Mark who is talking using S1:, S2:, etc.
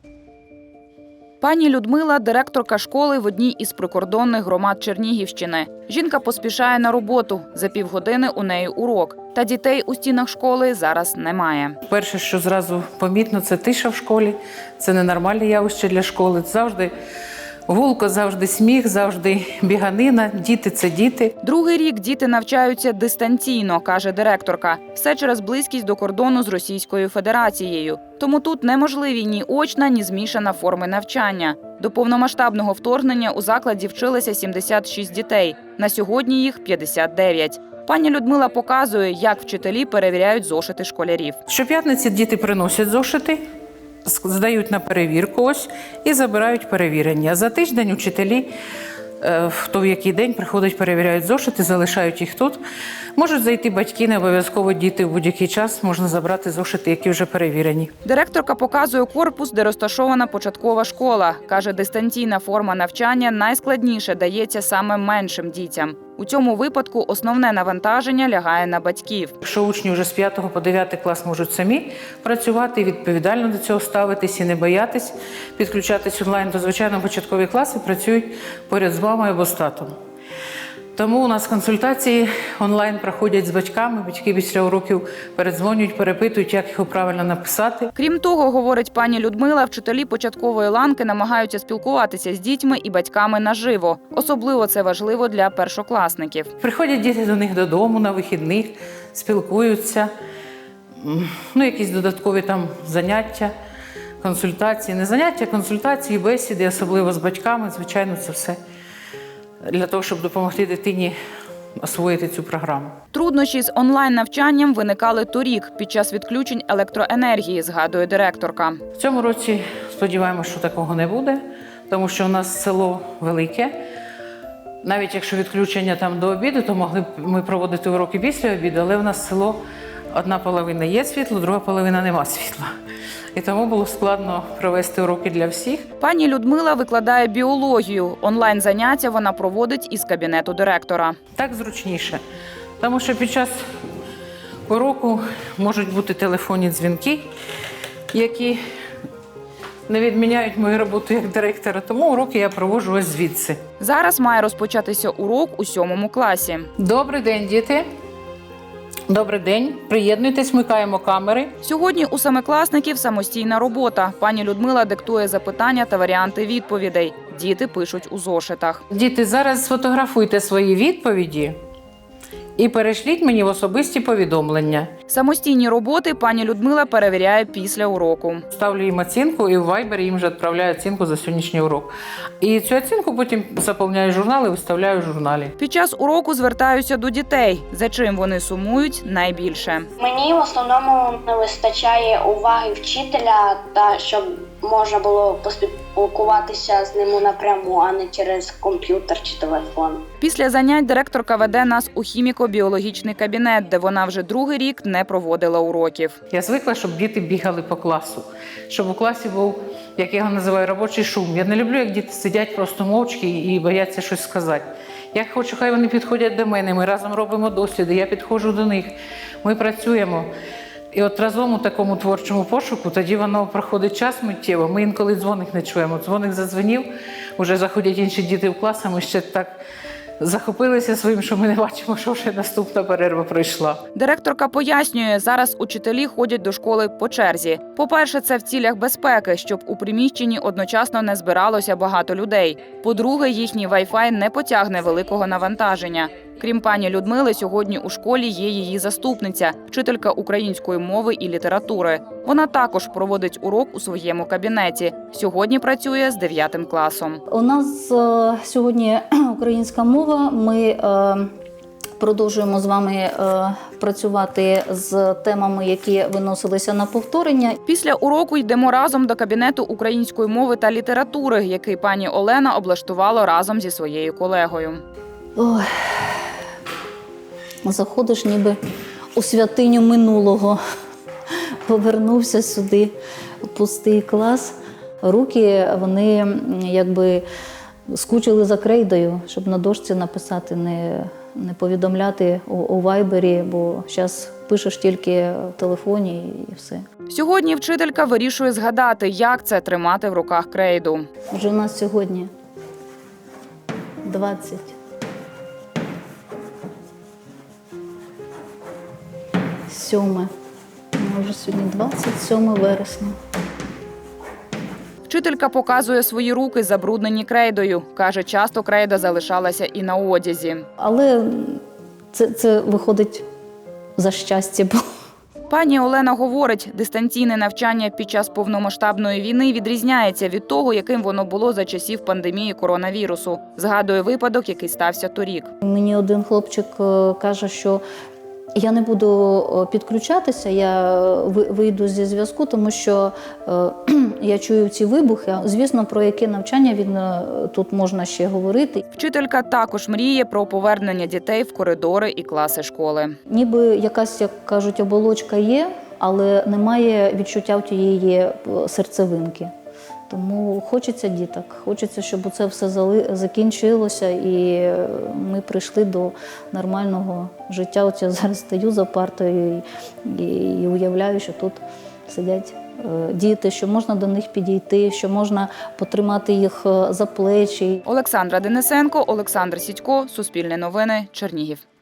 S1: Пані Людмила – директорка школи в одній із прикордонних громад Чернігівщини. Жінка поспішає на роботу. За півгодини у неї урок. Та дітей у стінах школи зараз немає.
S2: Перше, що зразу помітно, це тиша в школі. Це ненормальне явище для школи. Завжди гулко, завжди сміх, завжди біганина. Діти – це діти.
S1: Другий рік діти навчаються дистанційно, каже директорка. Все через близькість до кордону з Російською Федерацією. Тому тут неможливі ні очна, ні змішана форми навчання. До повномасштабного вторгнення у закладі вчилися 76 дітей. На сьогодні їх 59. Пані Людмила показує, як вчителі перевіряють зошити школярів.
S2: Щоп'ятниці діти приносять зошити, здають на перевірку ось і забирають перевірення. За тиждень учителі, хто в який день приходять, перевіряють зошити, залишають їх тут. Можуть зайти батьки, не обов'язково діти в будь-який час, можна забрати зошити, які вже перевірені.
S1: Директорка показує корпус, де розташована початкова школа. Каже, дистанційна форма навчання найскладніше дається саме меншим дітям. У цьому випадку основне навантаження лягає на батьків.
S2: Якщо учні вже з 5 по 9 клас можуть самі працювати, відповідально до цього ставитись і не боятись, підключатись онлайн, то, звичайно, початкові класи працюють поряд з мамою або з татом. Тому у нас консультації онлайн проходять з батьками. Батьки після уроків передзвонюють, перепитують, як його правильно написати.
S1: Крім того, говорить пані Людмила, вчителі початкової ланки намагаються спілкуватися з дітьми і батьками наживо. Особливо це важливо для першокласників.
S2: Приходять діти до них додому на вихідних, спілкуються, якісь додаткові там заняття, консультації. Не заняття, консультації, бесіди, особливо з батьками. Звичайно, це все для того, щоб допомогти дитині освоїти цю програму.
S1: Труднощі з онлайн-навчанням виникали торік під час відключень електроенергії, згадує директорка.
S2: В цьому році сподіваємося, що такого не буде, тому що у нас село велике. Навіть якщо відключення там до обіду, то могли б ми проводити уроки після обіду, але в нас село одна половина є світло, друга половина нема світла. І тому було складно провести уроки для всіх.
S1: Пані Людмила викладає біологію. Онлайн-заняття вона проводить із кабінету директора.
S2: Так зручніше, тому що під час уроку можуть бути телефонні дзвінки, які не відміняють мою роботу як директора, тому уроки я проводжу ось звідси.
S1: Зараз має розпочатися урок у 7 класі.
S2: Добрий день, діти. Добрий день. Приєднуйтесь, вмикаємо камери.
S1: Сьогодні у семикласників самостійна робота. Пані Людмила диктує запитання та варіанти відповідей. Діти пишуть у зошитах.
S2: Діти, зараз сфотографуйте свої відповіді і перешліть мені в особисті повідомлення.
S1: Самостійні роботи пані Людмила перевіряє після уроку.
S2: Ставлю їм оцінку і в Viber їм вже відправляю оцінку за сьогоднішній урок. І цю оцінку потім заповняю журнал і виставляю в журналі.
S1: Під час уроку звертаюся до дітей, за чим вони сумують найбільше.
S3: Мені в основному не вистачає уваги вчителя та щоб можна було поспілкуватися з ним напряму, а не через комп'ютер чи телефон.
S1: Після занять директорка веде нас у хіміко-біологічний кабінет, де вона вже другий рік не проводила уроків.
S2: Я звикла, щоб діти бігали по класу, щоб у класі був, як я його називаю, робочий шум. Я не люблю, як діти сидять просто мовчки і бояться щось сказати. Я хочу, хай вони підходять до мене, ми разом робимо досліди, я підходжу до них, ми працюємо. І от разом у такому творчому пошуку, тоді воно проходить час миттєво. Ми інколи дзвоник не чуємо. Дзвоник задзвонів, вже заходять інші діти в клас, а ми ще так захопилися своїм, що ми не бачимо, що вже наступна перерва пройшла.
S1: Директорка пояснює, зараз учителі ходять до школи по черзі. По-перше, це в цілях безпеки, щоб у приміщенні одночасно не збиралося багато людей. По-друге, їхній Wi-Fi не потягне великого навантаження. Крім пані Людмили, сьогодні у школі є її заступниця, вчителька української мови і літератури. Вона також проводить урок у своєму кабінеті. Сьогодні працює з 9 класом.
S4: У нас сьогодні українська мова. Ми продовжуємо з вами працювати з темами, які виносилися на повторення.
S1: Після уроку йдемо разом до кабінету української мови та літератури, який пані Олена облаштувала разом зі своєю колегою.
S4: Ой. Заходиш ніби у святиню минулого. Повернувся сюди, пустий клас. Руки, вони якби скучили за крейдою, щоб на дошці написати, не повідомляти у вайбері, бо зараз пишеш тільки в телефоні і все.
S1: Сьогодні вчителька вирішує згадати, як це тримати в руках крейду.
S4: Вже у нас сьогодні 20. Сьоме. Вже сьогодні 27 вересня.
S1: Вчителька показує свої руки, забруднені крейдою. Каже, часто крейда залишалася і на одязі.
S4: Але це виходить за щастя.
S1: Пані Олена говорить, дистанційне навчання під час повномасштабної війни відрізняється від того, яким воно було за часів пандемії коронавірусу. Згадує випадок, який стався торік.
S4: Мені один хлопчик каже, що я не буду підключатися, я вийду зі зв'язку, тому що я чую ці вибухи. Звісно, про яке навчання тут можна ще говорити.
S1: Вчителька також мріє про повернення дітей в коридори і класи школи.
S4: Ніби якась, як кажуть, оболочка є, але немає відчуття в тієї серцевинки. Тому хочеться діток, хочеться, щоб це все закінчилося і ми прийшли до нормального життя. От я зараз стою за партою і уявляю, що тут сидять діти, що можна до них підійти, що можна потримати їх за плечі.
S1: Олександра Денисенко, Олександр Сідько, Суспільне новини, Чернігів.